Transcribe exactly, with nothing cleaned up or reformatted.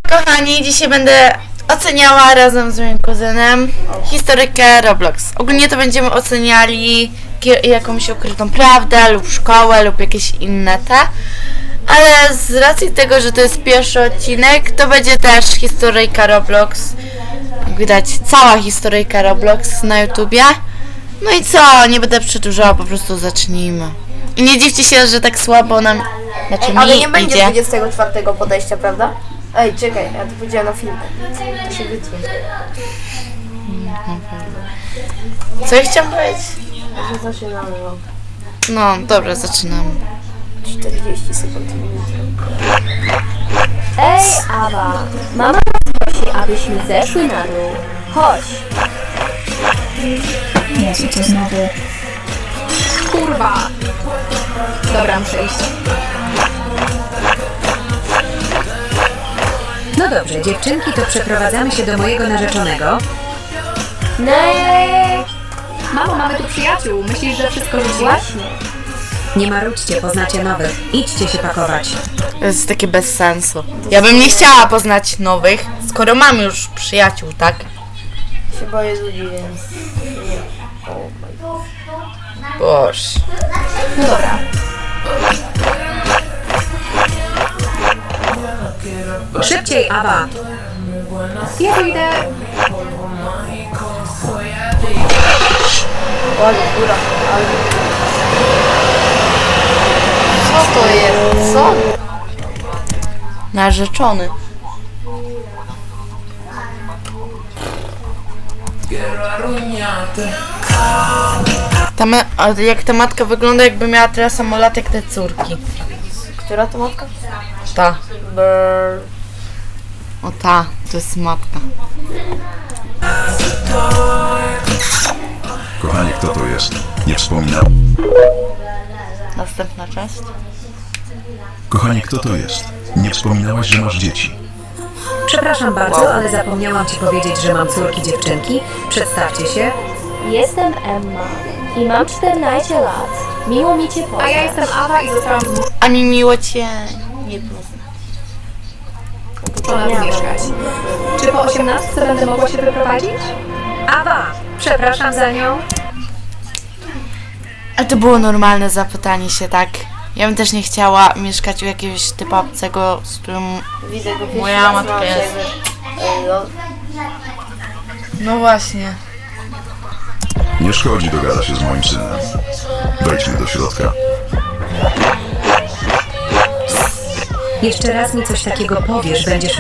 Kochani, dzisiaj będę oceniała razem z moim kuzynem historykę Roblox. Ogólnie to będziemy oceniali jakąś ukrytą prawdę lub szkołę lub jakieś inne te. Ale z racji tego, że to jest pierwszy odcinek, to będzie też historyjka Roblox. Jak widać, cała historyjka Roblox na YouTubie. No i co, nie będę przedłużała, po prostu zacznijmy. I nie dziwcie się, że tak słabo nam, znaczy Ej, mi ale nie będzie idzie. dwudziestego czwartego podejścia, prawda? Ej, czekaj, ja to powiedziałam na filmie. To się wytnie. Co ja chciałam powiedzieć? Że zaczynamy, no. No, dobra, zaczynamy. czterdzieści sekund. Ej, Awa, mama prosi, abyśmy zeszły na dół. Chodź. Jezu, co znowu? Kurwa! Dobra, muszę iść. No dobrze, dziewczynki, to przeprowadzamy się do mojego narzeczonego. Nie. Mamo, mamy tu przyjaciół. Myślisz, że wszystko rzuciłaś? Właśnie. Nie marudźcie, poznacie nowych. Idźcie się pakować. To jest takie bez sensu. Ja bym nie chciała poznać nowych, skoro mam już przyjaciół, tak? Się boję ludzi, więc... Nie. Oh my God. Boże. No dobra. Szybciej, Awa! Ja tu idę. Ale góra. Ale... Co to jest? Co? Narzeczony. Ta ma- a jak ta matka wygląda, jakby miała tyle samo lat jak te córki. Która to matka? Ta. Brrr. O ta, to jest matka. Kochanie, kto to jest? Nie wspominał. Następna część. Kochanie, kto to jest? Nie wspominałaś, że masz dzieci. Przepraszam bardzo, ale zapomniałam ci powiedzieć, że mam córki dziewczynki. Przedstawcie się. Jestem Emma i mam czternaście lat. Miło mi Cię poznać. A ja jestem Awa i zostałam A mi miło cię nie poznać. zmuszona tu mieszkać. Czy po osiemnastce będę mogła się wyprowadzić? Awa! Przepraszam za nią. A to było normalne zapytanie się, tak? Ja bym też nie chciała mieszkać u jakiegoś typa obcego, z którym... Widzę go Moja pierwszy raz, matka mam jest. jakby- Ej, no. No właśnie. Nie szkodzi, dogada się z moim synem. Wejdźmy do środka. Jeszcze raz mi coś takiego powiesz, będziesz